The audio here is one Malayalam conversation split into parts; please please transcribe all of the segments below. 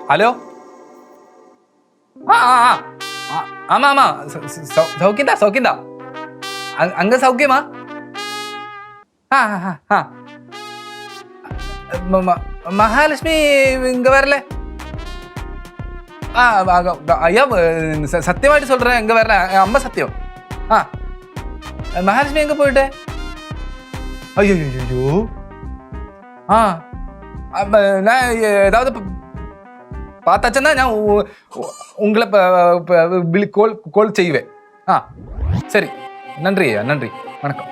ഹലോ ஆமா ஆமா சௌக்கியந்தா சௌக்கியந்தா அங்க சௌக்கியமா மகாலட்சுமி இங்க வரல ஐயா சத்தியமாയിട്ട് சொல்றேன் இங்க வரல அம்மா சத்தியம் மகாலட்சுமி எங்க போயிட்டு ஐயோ நான் ஏதாவது பார்த்தாச்சுன்னா நான் உங்களை கோல் செய்வேன் சரி நன்றி ஐயா நன்றி வணக்கம்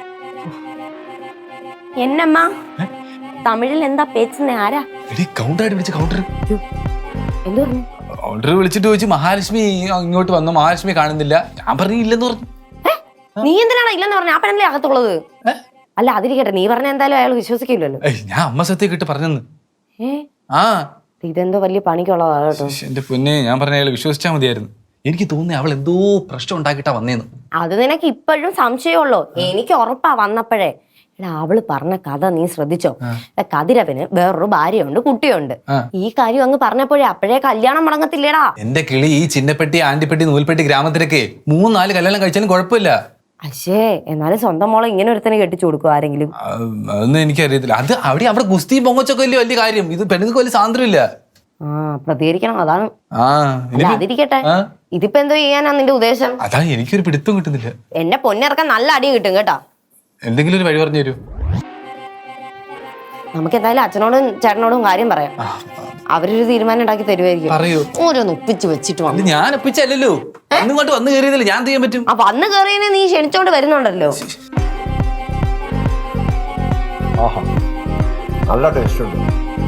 என்னம்மா തമിഴിൽ എന്താ പേച്ചുന്നേ ആരാ കൗണ്ടറായിട്ട് വിളിച്ച് കൗണ്ടർ എന്തു പറഞ്ഞു കൗണ്ടർ വിളിച്ചിട്ട് ചോദിച്ചു മഹാലക്ഷ്മി ഇങ്ങോട്ട് വന്നു മഹാലക്ഷ്മി കാണുന്നില്ല ഞാൻ പറഞ്ഞു ഇല്ലെന്ന് പറഞ്ഞു നീ എന്തിനാണ് ഇല്ലെന്ന് പറഞ്ഞു ആ പെണ്ണല്ലേ അകത്തുള്ളത് അല്ല അതിരിക്കട്ടെ നീ പറഞ്ഞ എന്തായാലും അയാൾ വിശ്വസിക്കില്ലല്ലോ ഞാൻ അമ്മ സത്യം കിട്ട് പറഞ്ഞെന്ന് ഇതെന്തോ വലിയ പണിക്കുള്ളതാ കേട്ടോ എന്റെ പൊന്നെ ഞാൻ പറഞ്ഞ അയാൾ വിശ്വസിച്ചാൽ മതിയായിരുന്നു എനിക്ക് തോന്നി അവൾ എന്തോ പ്രശ്നം ഉണ്ടാക്കിട്ടാ വന്നേന്ന് അത് നിനക്ക് ഇപ്പോഴും സംശയമുള്ളൂ എനിക്ക് ഉറപ്പാ വന്നപ്പോഴേ അവള് പറഞ്ഞ കഥ നീ ശ്രദ്ധിച്ചോ കതിരവന് വേറൊരു ഭാര്യയുണ്ട് കുട്ടിയുണ്ട് ഈ കാര്യം അങ്ങ് പറഞ്ഞപ്പോഴേ അപ്പോഴേ കല്യാണം മുടങ്ങത്തില്ലേടാ എന്റെ കിളി ഈ ചിന്നപ്പെട്ടി ആണ്ടിപ്പെട്ടി നൂൽപ്പെട്ടി ഗ്രാമത്തിലൊക്കെ 3-4 കല്യാണം കഴിച്ചാലും കുഴപ്പമില്ല അശേ എന്നാലും സ്വന്തം മോളെ ഇങ്ങനെ ഒരുത്തനെ കെട്ടിച്ചു കൊടുക്കും ആരെങ്കിലും അതൊന്നും എനിക്കറിയത്തില്ല അത് അവിടെ ഗുസ്തി പൊങ്ങച്ചൊക്കെ വലിയ വലിയ കാര്യം ഇത് പെണ്ണുങ്ങൾക്ക് വലിയ സ്വാതന്ത്ര്യമില്ല പ്രതികരിക്കണം അതാണ് അതിരിക്കട്ടെ ഇതിപ്പോ എന്തോ ചെയ്യാനാ നിന്റെ ഉദ്ദേശം അതാ എനിക്കൊരു പിടുത്തം കിട്ടുന്നില്ല എന്നെ പൊന്നിറക്കാൻ നല്ല അടി കിട്ടും കേട്ടാ എന്തെങ്കിലും ഒരു വഴി പറഞ്ഞു തരൂ നമുക്ക് എന്തായാലും അച്ഛനോടും ചേട്ടനോടും കാര്യം പറയാം അവരൊരു തീരുമാനം ഉണ്ടാക്കി തരുമായിരിക്കും പറയൂ ഓരോന്ന് ഒപ്പിച്ച് വെച്ചിട്ട് വന്നു ഞാൻ ഒപ്പിച്ചല്ലോ ഇങ്ങോട്ട് വന്നു കയറിയതില്ല ഞാൻ ചെയ്യാൻ പറ്റും അപ്പൊ വന്ന് കയറിയതിനെ നീ ക്ഷണിച്ചോണ്ട് വരുന്നുണ്ടല്ലോ നല്ല ടേസ്റ്റ് ഉണ്ട്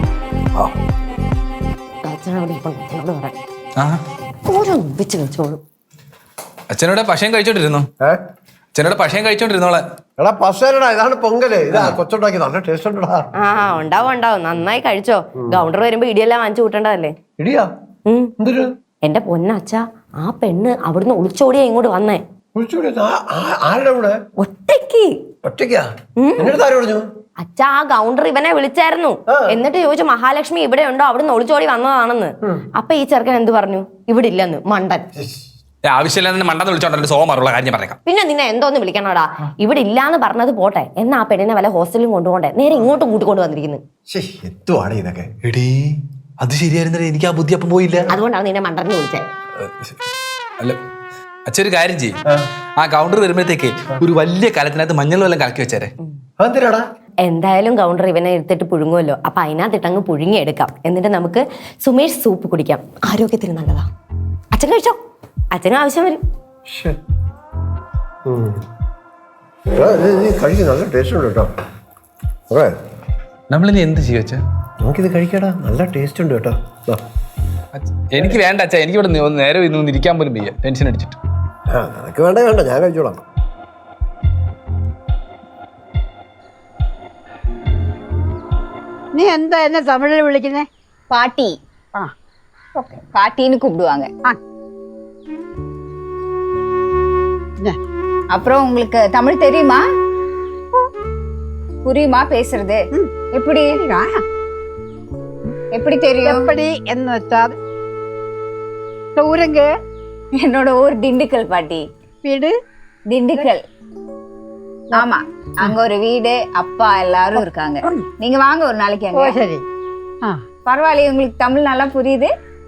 അച്ഛനോട് ഇപ്പൊ അച്ഛനോട് പറയാം ഓരോന്ന് ഒപ്പിച്ച് വെച്ചോളൂ അച്ഛനോട് പശയം കഴിച്ചോണ്ടിരുന്നു അച്ഛനോട് പശയം കഴിച്ചോണ്ടിരുന്നോളെ എടാ പശേരടാ ഇതാണ് പൊങ്കല് ഇതാ കൊച്ചുണ്ടാക്കി നല്ല ടേസ്റ്റ് ഉണ്ടടാ ഉണ്ടാവും നന്നായി കഴിച്ചോ കൗണ്ടർ വരുമ്പോ ഇടിയെല്ലാം വാങ്ങിച്ചു കൂട്ടണ്ടതല്ലേ ഇടിയാ എന്തൊരു എന്റെ പൊന്നച്ഛ ആ പെണ്ണ് അവിടുന്ന് ഒളിച്ചോടിയാ ഇങ്ങോട്ട് വന്നേ ആരുടെ കൂടെ ഒറ്റയ്ക്ക് ഒറ്റയ്ക്കാ എന്നിട്ട് ആര് പറഞ്ഞു അച്ഛ ആ കൗണ്ടർ ഇവനെ വിളിച്ചായിരുന്നു എന്നിട്ട് ചോദിച്ചു മഹാലക്ഷ്മി ഇവിടെ ഉണ്ടോ അവിടുന്ന് ഒളിച്ചോടി വന്നതാണെന്ന് അപ്പൊ ഈ ചെറുക്കൻ എന്ത് പറഞ്ഞു ഇവിടെ ഇല്ലെന്ന് മണ്ടൻ ആവശ്യമില്ല മണ്ടെന്ന് വിളിച്ചോണ്ടല്ലോ സോമാറുള്ള കാര്യം പറയാം പിന്നെ നിന്നെ എന്തോന്ന് വിളിക്കണോടാ ഇവിടെ ഇല്ലാന്ന് പറഞ്ഞത് പോട്ടെ എന്നാ ആ പെണ്ണിനെ വല്ല ഹോസ്റ്റലിലും കൊണ്ടുപോണ്ടേ നേരെ ഇങ്ങോട്ട് കൂട്ടിക്കൊണ്ട് വന്നിരിക്കുന്നു എത്തുവാണ് ഇതൊക്കെ എടീ അത് ശരിയായിരുന്നേ എനിക്ക് ആ ബുദ്ധി അപ്പം പോയില്ല അതുകൊണ്ടാണ് നിന്നെ മണ്ടന്ന് വിളിച്ചത് അല്ല അച്ഛൻ ഒരു കാര്യം ചെയ്യും ആ കൗണ്ടർ വരുമ്പോഴത്തേക്ക് ഒരു വലിയ കാലത്തിനകത്ത് മഞ്ഞൾ വെള്ളം കലക്കി വെച്ചേരെ എന്തായാലും കൗണ്ടർ ഇവനെ എടുത്തിട്ട് പുഴുങ്ങുമല്ലോ അപ്പൊ അതിനകത്തിട്ടങ്ങ് പുഴുങ്ങി എടുക്കാം എന്നിട്ട് നമുക്ക് സുമേഷ് സൂപ്പ് കുടിക്കാം ആരോഗ്യത്തിന് നല്ലതാ അച്ഛൻ കഴിച്ചോ അച്ഛനും ആവശ്യം വരും നല്ല ടേസ്റ്റ് ഉണ്ട് കേട്ടോ നമ്മളിനി എന്ത് ചെയ്യും നമുക്കിത് കഴിക്കടാ നല്ല ടേസ്റ്റ് ഉണ്ട് കേട്ടോ എനിക്ക് വേണ്ട അച്ഛാ എനിക്ക് ഇവിടെ നേരെ ഇന്ന് ഇരിക്കാൻ പോലും വയ്യ ടെൻഷൻ അടിച്ചിട്ട് നിനക്ക് വേണ്ട വേണ്ട ഞാൻ കഴിച്ചോളാം நீ எந்த என்ன தமிழில் விളിക്കുന്നേ பாட்டி ஓகே பாட்டின்னு கூப்பிடுவாங்க அப்புறம் உங்களுக்கு தமிழ் தெரியுமா புரியுமா பேசுறது எப்படி எப்படி தெரியும் எப்படி എന്ന് വെച്ചാൽ ஊருங்க என்னோட ஊர் திண்டுக்கல் பாட்டி வீடு திண்டுக்கல் ஆமா அங்க ஒரு வீடு அப்பா எல்லாரும் இருக்காங்க நீங்க வாங்க ஒரு நாளைக்கு அங்க சரி பரவாயில்லையே உங்களுக்கு தமிழ் நல்லா புரியுது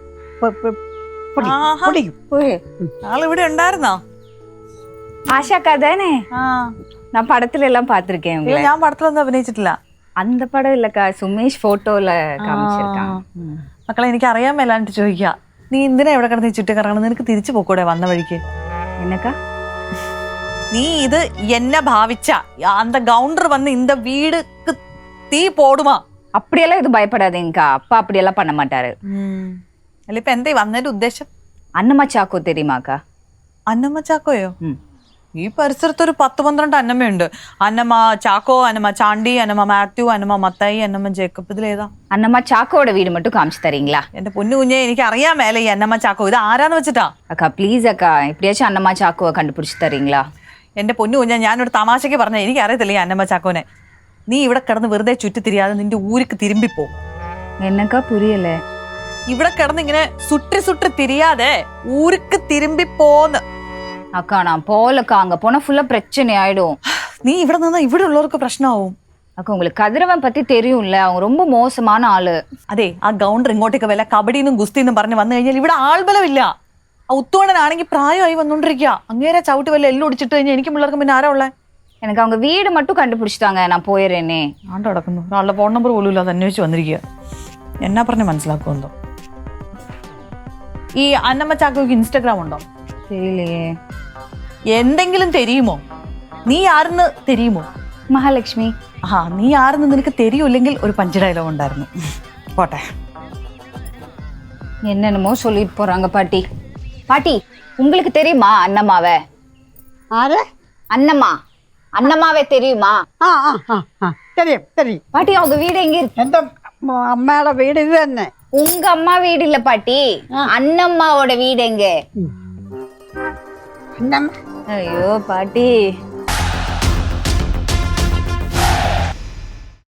ഇവിടെ ഉണ്ടായിരുന്നോ ஆஷாக்கா தானே நான் படத்துல எல்லாம் பாத்திருக்கேன் ഞാൻ പടത്തിലൊന്നും അഭിനയിച്ചിട്ടില്ല அந்த படம் இல்லக்கா சுமேஷ் போட்டோல காமிச்சிருக்காங்க മക്കളെ എനിക്ക് അറിയാൻ മേലാണ്ട് ചോദിക്കാം നീ എന്തിനാ എവിടെ കിടന്ന് ചുറ്റി കറങ്ങണം നിനക്ക് തിരിച്ചു പോക്കൂടെ വന്ന വഴിക്ക് என்னக்கா നീ ഇത് എന്നെ ഭാവിച്ച அந்த கவுண்டர் வந்து இந்த வீடுக்கு தீ போடுமா அப்படியெல்லாம் இது பயப்படாதீங்கக்கா அப்பா அப்படியெல்லாம் பண்ண மாட்டாரு അല്ല ഇപ്പൊ എന്താ വന്നതിന്റെ ഉദ്ദേശം அன்னம்மா சாக்கோ தெரியுமாக்கா അന്നമ്മ ചാക്കോയോ ഈ പരിസരത്ത് ഒരു 10-12 അന്നമ്മയുണ്ട് അന്നമ്മ ചാക്കോ അന്നമ്മ ചാണ്ടി അന്നമ്മ മാത്യു അന്നമ്മ മത്തായി അന്നമ്മ ജേക്കബ് ഇതിലേതാ அன்னம்மா சாக்கோட வீடு மட்டும் காமிச்சு தரீங்களா എന്റെ പൊന്നു കുഞ്ഞെ എനിക്ക് അറിയാൻ മേലെ ഈ അന്നമ്മ ചാക്കോ ഇത് ആരാന്ന് വെച്ചിട്ടാ அக்கா ப்ளீஸ் அக்கா எப்படியாச்சும் அன்னம்மா சாக்கோவை கண்டுபிடிச்சு தரீங்களா എന്റെ പൊന്നു കുഞ്ഞ ഞാനൊരു തമാശയ്ക്ക് പറഞ്ഞ എനിക്ക് അറിയത്തില്ല ഈ അന്നമ്മ ചാക്കോനെ നീ ഇവിടെ കിടന്ന് വെറുതെ ചുറ്റിത്തിരിയാതെ നിന്റെ ഊരിക്ക് തിരുമ്പിപ്പോ என்னக்கா புரியல ഇവിടെ കിടന്ന് ഇങ്ങനെ സുട്ടി സുട്ടി തിരിയാതെ ഊருக்கு തിരുമ്പി പോന്ന്. அக்கா நான் போலக்கா, அங்க போனா ஃபுல்லா பிரச்சனை ஆயிடும். നീ ഇവിടെ നിന്നാ ഇവിടെ ഉള്ളവർക്ക് പ്രശ്നമാവും. அக்கா உங்களுக்கு கதிரவன் பத்தி தெரியும்ல, அவங்க ரொம்ப மோசமான ஆளு. അതെ, ആ ഗൗണ്ടർ ഇങ്ങോട്ടേക്ക് വല്ല കബഡിന്നും ഗുസ്തിന്നും പറഞ്ഞ് വന്നു കഴിഞ്ഞാൽ ഇവിടെ ആൾബലമില്ല. ആ ഉത്തോണനാണെങ്കിൽ പ്രായമായി വന്നോണ്ടിരിക്കുക. അങ്ങേരെ ചവിട്ടി വല്ല എല്ലാം ഒടിച്ചിട്ട് കഴിഞ്ഞാൽ എനിക്ക് പിള്ളേർക്ക് പിന്നെ ആരാ ഉള്ളേ? எனக்கு அவங்க வீடு மட்டும் കണ്ടുപിടിച്ചിട്ടാங்க, நான் പോയறேனே. ആണ്ട് കിടക്കുന്നു. ഒരാളുടെ ഫോൺ നമ്പർ പോലും ഇല്ലാതെ അന്വേഷിച്ച് വന്നിരിക്കുക. എന്നാ പറഞ്ഞ് മനസ്സിലാക്കുമെന്തോ. ഈ അന്നമ്മ ചാക്കോയ്ക്ക് ഇൻസ്റ്റാഗ്രാം ഉണ്ടോ? தெரியலையே. എന്തെങ്കിലും தெரியுമോ? നീ ആരെന്ന് தெரியுമോ? மகாலட்சுமி. ആ, നീ ആരെന്ന് നിനക്ക് தெரியுമില്ലെങ്കിൽ ഒരു പഞ്ച് ഡയലോഗ് ഉണ്ടായിരുന്നു. പോട്ടെ. என்னென்னமோ சொல்லிட்டு போறாங்க பாட்டி. பாட்டி, உங்களுக்கு தெரியுமா அண்ணம்மாவை? ആരെ? அண்ணம்மா, அண்ணம்மாவே தெரியுமா? ആ ആ ആ ആ தெரியும் தெரியும். பாட்டி, அவங்க வீடு எங்க இருக்கு? എന്റെ അമ്മയുടെ വീട് ഇത് തന്നെ. உங்க அம்மா வீடு இல்ல பாட்டி, அண்ணம்மாவோட வீடு எங்க? അന്നമ്മ ஐயோ பாட்டி,